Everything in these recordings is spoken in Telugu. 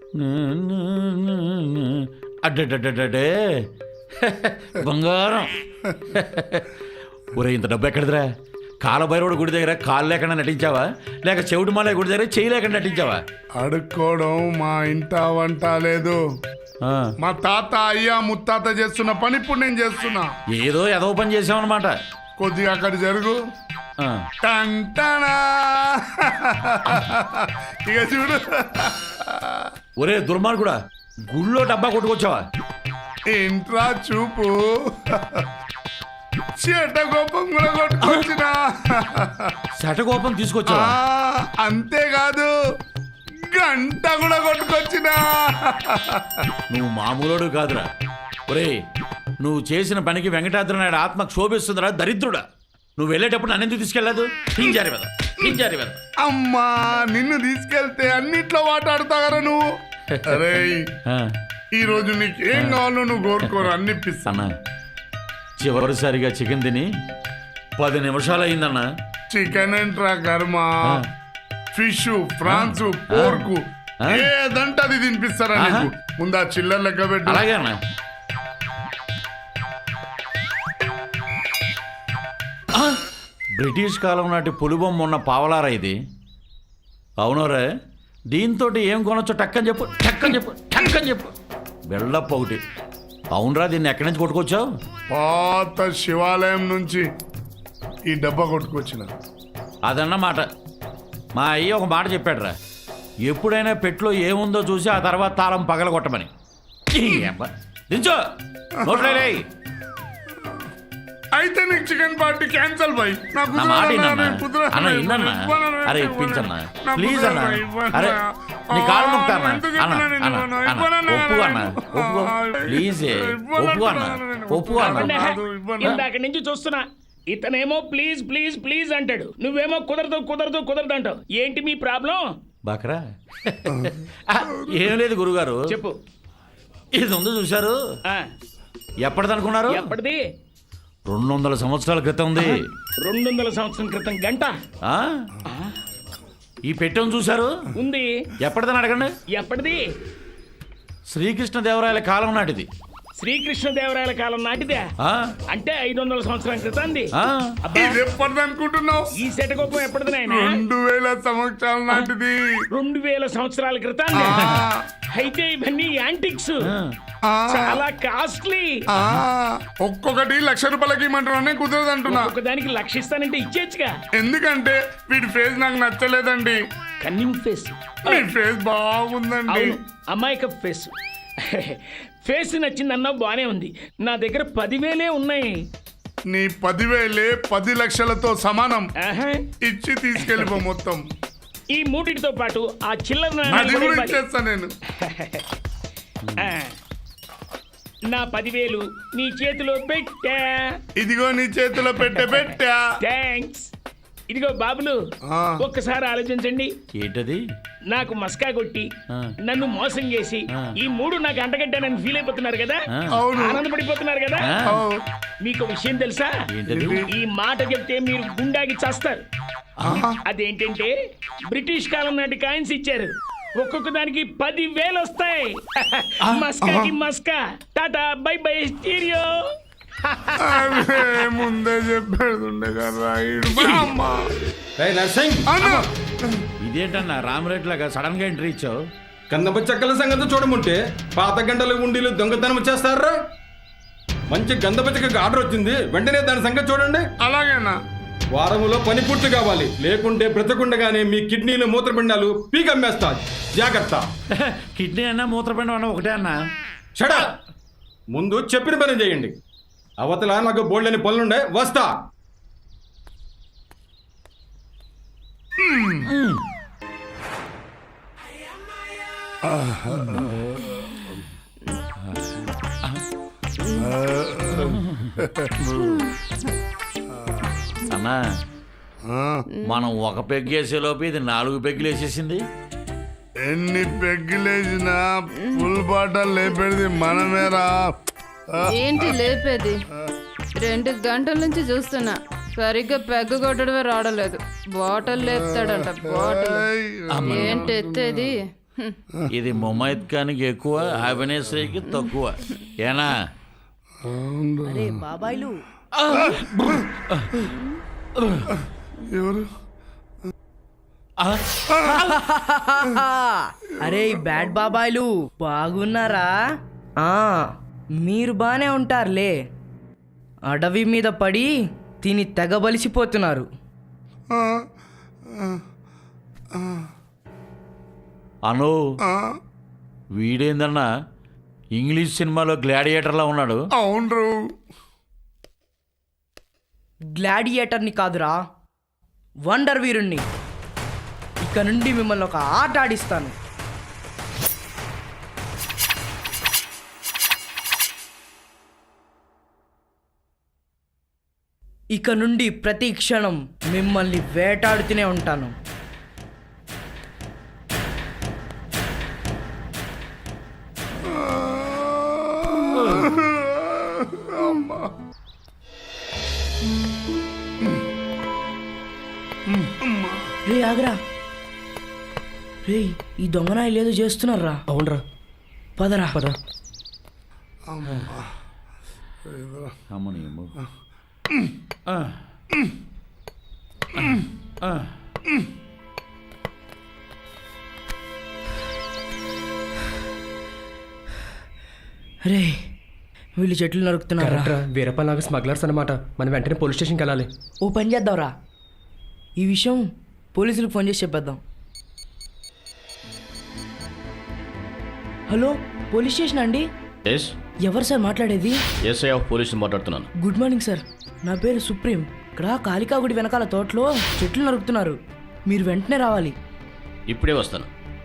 అడ్డే బంగారం. ఒరే ఇంత డబ్బు ఎక్కడిదిరా? కాలభైరవుడు గుడి దగ్గర కాలు లేకుండా నటించావా, లేక చెవిటి మాలయ గుడి దగ్గర చేయి లేకుండా నటించావా? అడుక్కోవడం మా ఇంట వంట లేదు. మా తాత అయ్యా ముత్తాత చేస్తున్న పని ఇప్పుడు నేను చేస్తున్నా. ఏదో ఏదో పని చేసామన్నమాట. కొద్దిగా అక్కడ జరుగు. టంటనా. ఇక చూడు. ఒరే దుర్మార్గుడా, గుళ్ళో డబ్బా కొట్టుకొచ్చావా? ఇంట్రా చూపు. శటకోపం కూడా కొట్టుకొచ్చిన. శటకోపం తీసుకొచ్చావా? అంతేకాదు గంట కూడా కొట్టుకొచ్చిన. నువ్వు మామూలుడు కాదురా. ఒరే నువ్వు చేసిన పనికి వెంకటాద్రి నాయుడు ఆత్మ క్షోభిస్తుందిరా దరిద్రుడా. నువ్వు వెళ్ళేటప్పుడు నన్ను ఎందుకు తీసుకెళ్ళదు? పింజారి వెద. అమ్మా నిన్ను తీసుకెళ్తే అన్నిట్లో మాట్లాడతావరా నువ్వు. అరే ఈ రోజు నీకు ఏం కావాలో నువ్వు కోరుకోరు, అన్నిపిస్తానా. చివరిసారిగా చికెన్ తిని 10 నిమిషాలు అయిందన్నా. చికెన్ ఏంట్రా కర్మ, ఫిష్, ఫ్రాన్స్, పోర్కు ఏదంటే అది తినిపిస్తారా నీకు. ముందు ఆ చిల్లర లెక్క పెట్టు. అలాగే అన్నా. బ్రిటిష్ కాలం నాటి పులిబొమ్మ ఉన్న పావలారా ఇది. అవునోరే, దీంతో ఏం కొనొచ్చో టక్కని చెప్పు. బెల్లప్ప ఒకటి. అవునరా, దీన్ని ఎక్కడి నుంచి కొట్టుకొచ్చావు? పాత శివాలయం నుంచి ఈ డబ్బా కొట్టుకొచ్చిన. అదన్నమాట. మా అయ్య ఒక మాట చెప్పాడురా, ఎప్పుడైనా పెట్లో ఏముందో చూసి ఆ తర్వాత తాళం పగలగొట్టమని. దించో నోట్లే. అయితే నీకు చికెన్ పార్టీ క్యాన్సల్ బాయ్. అరే ఇప్పించన్నా ప్లీజ్ అన్నా. అరే నీ కాలు నొక్కుతానా ఒప్పుకో ప్లీజ్. ఒప్పుకో అన్నా. ఇందాక నుంచి చూస్తున్నా, ఇతనేమో ప్లీజ్ ప్లీజ్ ప్లీజ్ అంటాడు, నువ్వేమో కుదరదు అంటావు. ఏంటి మీ ప్రాబ్లం? బాకరా ఏం లేదు గురుగారు. చెప్పు. ఇది ఉందో చూశారు? ఎప్పటిదనుకున్నారు? ఎప్పటిది? 200 సంవత్సరాల క్రితం ఉంది. 200 సంవత్సరం క్రితం గంట. ఈ పెట్టెను చూశారు? ఉంది. ఎప్పటిదని అడగండి. ఎప్పటిది? శ్రీకృష్ణదేవరాయల కాలం నాటిది. శ్రీకృష్ణదేవరాయల కాలం నాటిదే? అంటే 500 సంవత్సరాల క్రితం. అనుకుంటున్నావు? ఈ శటకోపం ఎప్పటిది నాయన? 2000 సంవత్సరాల నాటిది. 2000 సంవత్సరాల క్రితం. అయితే ఇవన్నీ యాంటిక్స్, చాలా కాస్ట్లీ. ఒక్కొక్కటి ₹1,00,000 ఇమ్మంటున్నా, కుదరదు అంటున్నా. ఒకదానికి 1,00,000 ఇస్తానంటే ఇచ్చేచ్చుగా. ఎందుకంటే వీడి ఫేస్ నాకు నచ్చలేదండి. Cunning face. మీ ఫేస్ బాగుందండి. అమాయక ఫేస్. ఫేస్ నచ్చిందన్నా బానే ఉంది. నా దగ్గర 10,000 ఉన్నాయి. నీ 10,000 10 లక్షలతో సమానం. ఇచ్చి తీసుకెళ్ళిపో మొత్తం. ఈ మూటితో పాటు ఆ చిల్లర నేను. నా 10,000 నీ చేతిలో పెట్టా. ఇదిగో నీ చేతిలో పెట్టా. థ్యాంక్స్. ఇదిగో బాబులు, ఒక్కసారి ఆలోచించండి. ఏంటది? నాకు మస్కా కొట్టి నన్ను మోసం చేసి ఈ 3 నాకు అంటగడ్డానని ఫీల్ అయిపోతున్నారు కదా, ఆనందపడిపోతున్నారు కదా. మీకు విషయం తెలుసా? ఈ మాట చెప్తే మీరు గుండాకి చేస్తారు. అదేంటంటే బ్రిటిష్ కాలం నాటి కాయిన్స్ ఇచ్చారు. ఒక్కొక్క దానికి 10,000 వస్తాయి. మస్కాకి మస్కా. Tata bye bye stereo. ముందే చెప్పేది కదా. ఇదేంటన్నా రామరేట్ లాగా సడన్ గా ఎంట్రీ ఇచ్చావు? కందప చెక్కల సంగతి చూడముంటే పాత గంటల ఉండీలు దొంగతనం వచ్చేస్తారా? మంచి గంధప చెక్కకి ఆర్డర్ వచ్చింది, వెంటనే దాని సంగతి చూడండి. అలాగేనా? వారములో పని పూర్తి కావాలి, లేకుంటే బ్రతకుండగానే మీ కిడ్నీలు మూత్రపిండాలు పీకమ్మేస్తా. జాగ్రత్త. కిడ్నీ అన్నా మూత్రపిండం అన్నా ఒకటే అన్నా. షడా, ముందు చెప్పిన పని చేయండి. అవతల నాకు బోల్డని పనులుండే, వస్తా. అన్నా మనం ఒక పెగ్గు వేసేలోపు ఇది 4 పెగ్గులు వేసేసింది. ఎన్ని పెగ్గులేసినా ఫుల్ బాటల్ లేపేది మనమేరా. ఏంటి లేపేది? 2 గంటల నుంచి చూస్తున్నా, సరిగ్గా పెగ్గు కొట్టడమే రావడలేదు. బాటిల్ లేపుతాడంట. బాటిల్ ఏంటి ఎత్తేది? ఇది ముమైత్ ఖాన్కి ఎక్కువ, అభినేశ్రీకి తక్కువ. ఏనా అరే బాబాయ్లు, ఎవరు? అరే బ్యాడ్ బాబాయ్లు బాగున్నారా? మీరు బానే ఉంటారులే. అడవి మీద పడి తిని తెగబలిసిపోతున్నారు. అను వీడేందన్నా ఇంగ్లీష్ సినిమాలో గ్లాడియేటర్లా ఉన్నాడు. అవును, గ్లాడియేటర్ని కాదురా, వండర్ వీరుణ్ణి. ఇక నుండి మిమ్మల్ని ఒక ఆట ఆడిస్తాను. ఇక నుండి ప్రతి క్షణం మిమ్మల్ని వేటాడుతూనే ఉంటాను. రే ఆగరా, రే ఈ దొంగనాయలు ఏదో చేస్తున్నారా? అవునరా, పదరా పద. అమ్మని అమ్మ. రే వీళ్ళు చెట్లు నరుకుతున్నారా? కరెక్ట్రా, వీరప్పలాగా స్మగ్లర్స్ అనమాట. మనం వెంటనే పోలీస్ స్టేషన్కి వెళ్ళాలి. ఓ పని చేద్దాంరా, ఈ విషయం పోలీసులకు ఫోన్ చేసి చెప్పేద్దాం. హలో, పోలీస్ స్టేషన్ అండి? ఎస్, ఎవరు సార్ మాట్లాడేది? ఎస్ఐ ఆఫ్ పోలీసుని మాట్లాడుతున్నాను. గుడ్ మార్నింగ్ సార్, నా పేరు సుప్రీం. ఇక్కడ కాళికాగుడి వెనకాల తోటలో చెట్లు నరుకుతున్నారు, మీరు వెంటనే రావాలి. ఇప్పుడే వస్తాను.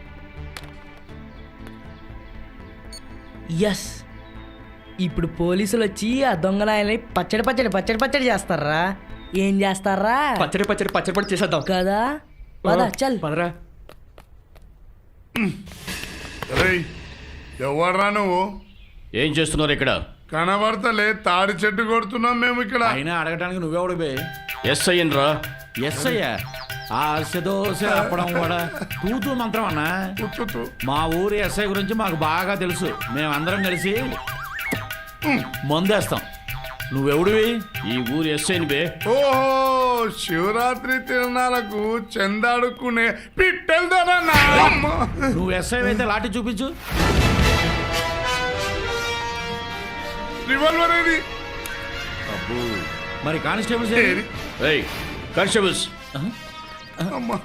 ఎస్, ఇప్పుడు పోలీసులు వచ్చి ఆ దొంగనాయల్ని పచ్చడి పచ్చడి పచ్చడి పచ్చడి చేస్తారా? ఏం చేస్తారా? పచ్చడి పచ్చడి పచ్చడి పచ్చడి చేసేద్దాం కదా, పద చల్. పదరా. ఎవర్రా నువ్వు? ఏం చేస్తున్నారు ఇక్కడ? కనబడతలే, తాడి చెట్టు కొడుతున్నాం మేము ఇక్కడ. అయినా అడగటానికి నువ్వెవడు బే? ఎస్ఐ రా. ఎస్ అయ్యా. ఆ దోశ అప్పడం కూడా తూతూ మంత్రం అన్నా. కూర్చోతూ. మా ఊరి ఎస్ఐ గురించి మాకు బాగా తెలుసు. మేమందరం కలిసి మందేస్తాం. నువ్వెవడివి? ఈ ఊరు ఎస్ఐని బే. ఓహో, శివరాత్రి తిరణాలకు చందాడుకునే పిట్టెళ్తారా? నువ్వు ఎస్ఐ అయితే లాఠీ చూపించు. రివాల్వర్ ఏది? అబ్బో, మరి కానిస్టేబుల్స్ ఏది? ఏయ్ కానిస్టేబుల్స్, అమ్మా,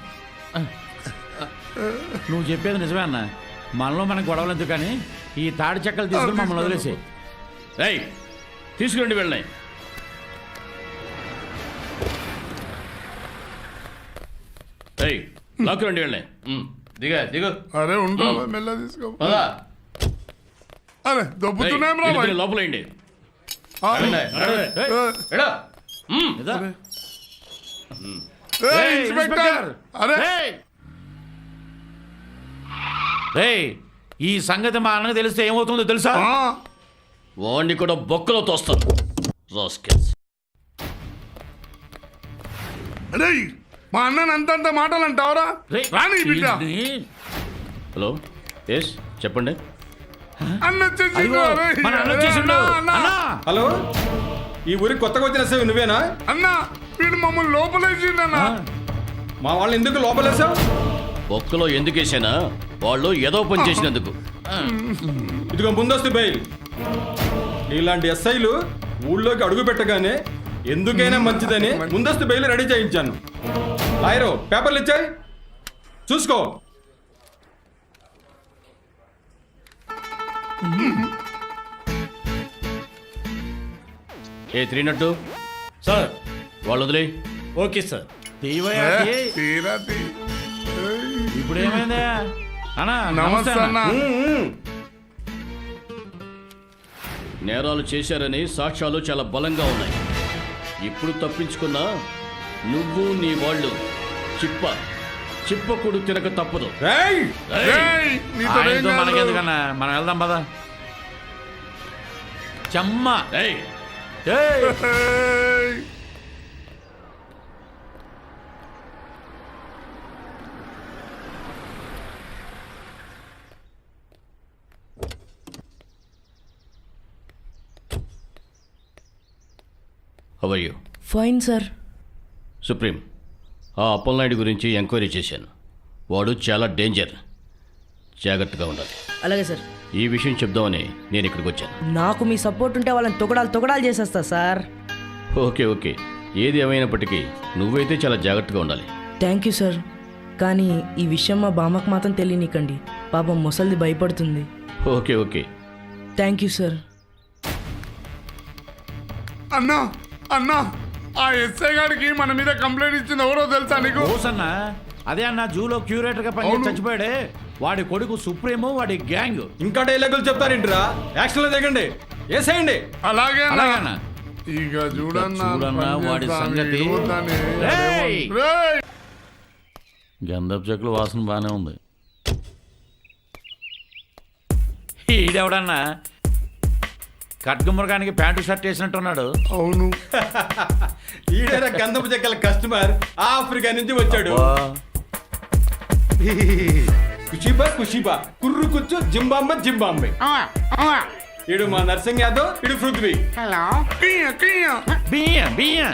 నువ్వు చెప్పేది నిజమే అన్న. మనలో మనకు గొడవలు ఎందుకు కానీ ఈ తాడి చెక్కలు తీసుకుని మమ్మల్ని వదిలేసి. ఏయ్ తీసుకురండి వెళ్ళినాయి. ఏయ్ లాక్కురండి వెళ్ళినాయి. దిగు. అరే ఉండరా, మెల్ల తీసుకో. పదా. అరే దొబ్బుతున్నాం రా బాయ్. లోపలేండి. ఆ, ఇదా? ఏయ్, ఇన్స్పెక్టర్. అరే రేయ్, ఈ సంగతి మా అన్నకు తెలిస్తే ఏమవుతుందో తెలుసా? ఆ, వాడిని కూడా బొక్కలో తోస్తాను. రాస్కెల్స్. రేయ్, మా అన్నని అంతంత మాటలు అంటావరా? రేయ్, రాని బిడ్డ. ఈ- హలో, ఎస్ చెప్పండి. అన్న వచ్చేసిండు. అదిగో, అరే, మన అన్న వచ్చేసిండు. అన్న, అన్నా! హలో, ఈ ఊరికి కొత్తగా వచ్చిన ఎస్ఐ నువ్వేనా? అన్న, వీడు మమ్మల్ని లోపలేసిండన్న. మా వాళ్ళని ఎందుకు లోపలేసావు? బొక్కలో ఎందుకు వేసానా? వాళ్ళు ఏదో పని చేసినందుకు. ఇదిగో ముందస్తు బెయిల్. ఇలాంటి ఎస్ఐలు ఊళ్ళోకి అడుగు పెట్టగానే ఎందుకైనా మంచిదని ముందస్తు బెయిల్ రెడీ చేయించాను. లాయరు పేపర్లు ఇచ్చాయి, చూసుకో. ఏ 302 సార్. వాళ్ళు వదిలే. Okay sir. తీవయ్యా, తీ. తీరా తీ. ఏయ్, ఇప్పుడు ఏమైందా అన్నా? నమస్తే అన్న. నేరాలు చేశారని సాక్ష్యాలు చాలా బలంగా ఉన్నాయి. ఇప్పుడు తప్పించుకున్నా నువ్వు నీ వాళ్ళు చిప్పకుడు తినక తప్పదు. ఏయ్! ఏయ్, నీతో ఏం ఆయనతో కాదు. మనకెందుకన్నా, మనం వెళ్దాం పద. చెమ్మ. ఏయ్ ఏయ్, ఏయ్. How are you fine sir. Supreme, ఆ అప్పలనాయుడు గురించి ఎంక్వైరీ చేశాను. వాడు చాలా డేంజర్, జాగ్రత్తగా ఉండాలి. అలాగే సార్. ఈ విషయం చెప్దామని నేను ఇక్కడికి వచ్చాను. నాకు మీ సపోర్ట్ ఉంటే వాళ్ళని తొగడాలు చేసేస్తా సార్. ఓకే ఓకే, ఏది ఏమైనప్పటికీ నువ్వైతే చాలా జాగ్రత్తగా ఉండాలి. Thank you sir. కానీ ఈ విషయం మా బామ్మకు మాత్రం తెలియనికండి, పాపం ముసలిది భయపడుతుంది. Okay okay. Thank you sir. అన్నా అన్నా ఆ ఎస్ఐ గారికి మన మీద కంప్లైంట్ ఇచ్చింది ఎవరో తెలుసా నీకు? ఓసన్న అదే అన్న జూలో క్యూరేటర్ గా పనిచేసి అవును. చచ్చిపోయాడే వాడి కొడుకు సుప్రీము, వాడి గ్యాంగ్. ఇంకా డైలాగులు చెప్తారేంట్రా? యాక్షన్లో దిగండి, వేసేయండి. అలాగే అన్నా. అలాగన్నా ఇక చూడన్నా చూడన్నా వాడి సంగతి. రేయ్! గంధపు చెక్కుల వాసన బానే ఉంది. ఈడెవడన్నా కట్గుమ్మరకానికి ప్యాంటు షర్ట్ వేసినట్టున్నాడు. అవును. ఈడైన గంధపు చెక్కల కస్టమర్ ఆఫ్రికా నుంచి వచ్చాడు. కుషిబా కుర్రు కుచ్చు జింబాంబే జింబాంబే. ఇడు మా నర్సింగ్ యాదవ్, ఇడు పృథ్వీ. బియ్యం బియ్యం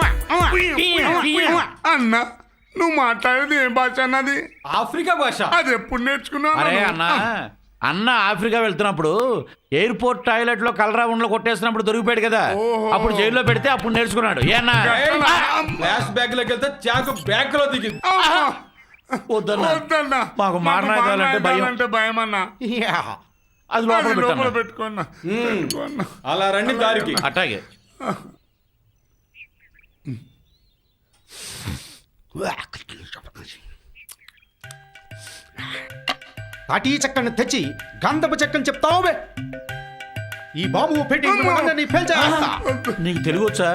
అన్నా నువ్వు మాట్లాడేది ఏ భాష అన్నది? ఆఫ్రికా భాష. అది ఎప్పుడు నేర్చుకున్నావు? అరే అన్న అన్న ఆఫ్రికా వెళ్తున్నప్పుడు ఎయిర్పోర్ట్ టాయిలెట్ లో కలరా ఉండలో కొట్టేసినప్పుడు దొరికిపోయాడు కదా, అప్పుడు జైల్లో పెడితే అప్పుడు నేర్చుకున్నాడు. ఏనా ఫ్లాష్ బ్యాగ్ లోకి వెళ్తే చాకు బ్యాగ్ లో దిగింది. వద్దన్నా. మాకు మారణాయుధాలంటే భయం. అంటే భయం అన్నా. అది లోపల లోపల పెట్టాను. పెట్టుకున్నా. అలా రండి దారికి. అట్టాగే తాటీ చెక్కను తెచ్చి గంధపు చెక్కని చెప్తావు. ఈ బాబు పెట్టి నీకు తెలుగు వచ్చా?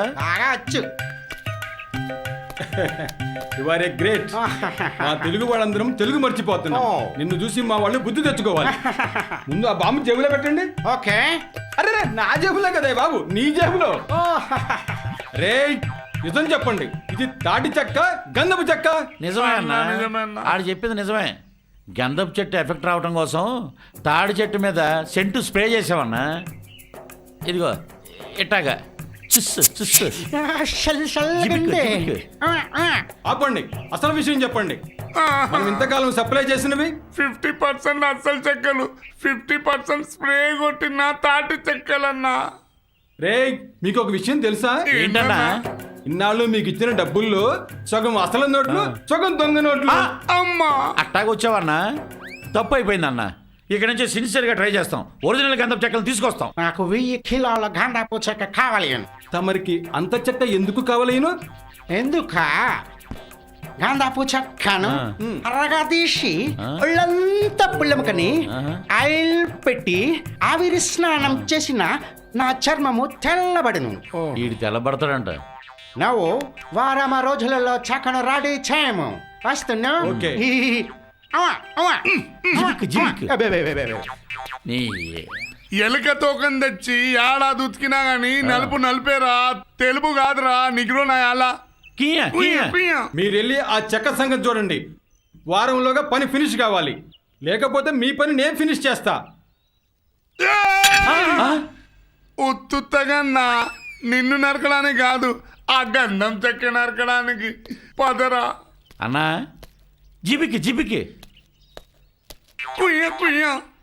You are a great. మా తెలుగు వాళ్ళందరం తెలుగు మర్చిపోతున్నాం. నిన్ను చూసి మా వాళ్ళు బుద్ధి తెచ్చుకోవాలి. ముందు ఆ బాంబు జేబులో పెట్టండి. ఓకే. అరే నా జేబులో కదా బాబు, నీ జేబులో. రే నిజం చెప్పండి, ఇది తాటి చెక్క గంధపు చెక్క? నిజమే అన్న, నిజమే అన్న. ఆడు చెప్పింది నిజమే. గంధపు చెట్టు ఎఫెక్ట్ రావడం కోసం తాడి చెట్టు మీద సెంటు స్ప్రే చేసావన్నా. ఇదిగో ఇట్టాగా చుస్సు చుస్సు. జిబిక్కు, జిబిక్కు. ఆపండి, అసలు విషయం చెప్పండి. మనం ఇంతకాలం సప్లై చేసినవి 50% అసలు చెక్కలు, 50% స్ప్రే కొట్టిన తాటి చెక్కలన్నా. రే మీకు ఒక విషయం తెలుసా? ఏంటన్నా? ఇన్నాళ్ళు మీకు ఇచ్చిన డబ్బుల్లో సగం అసలు నోట్లు, సగం దొంగ నోట్లు. అమ్మా అట్టాగొచ్చావన్నా, తప్పు అయిపోయిందన్న. ఇక్కడ నుంచి సిన్సియర్ గా ట్రై చేస్తాం. ఒరిజినల్ గంధపు చెక్కలు తీసుకొస్తాం. నాకు 1000 కిలోల గంధపు చెక్క కావాలి. తమరికి అంత చెక్క ఎందుకు కావాలేను? ఎందుక గంధపు చెక్కను ఆ. అరగా తీసి ఆ. ఒళ్ళంతా పుల్లముకని ఆహా. ఆయిల్ పెట్టి ఆవిరి స్నానం చేసిన నా చర్మము తెల్లబడును. వీడు తెల్లబడతాడంట. నువ్వు వారమ రోజులలో చెక్కను రెడీ చేయము. వస్తున్నా. ఓకే. జిబిక్కు, జిబిక్కు. నీ ఎలుక తోకం తెచ్చి ఏడాది ఉతికినా గాని నలుపు నలిపేరా, తెలుపు కాదురా నిగ్రో నా అలా. కియా, కియా. మీరు వెళ్ళి ఆ చెక్క సంగతి చూడండి. వారంలోగా పని ఫినిష్ కావాలి, లేకపోతే మీ పని నేను ఫినిష్ చేస్తా. ఉత్తుత్తగా నిన్ను నరకడానికి కాదు, ఆ గంధం చెక్క నరకడానికి. పదరా. అన్నా జిబికి జిబికి. కుయ్య కుయ్య.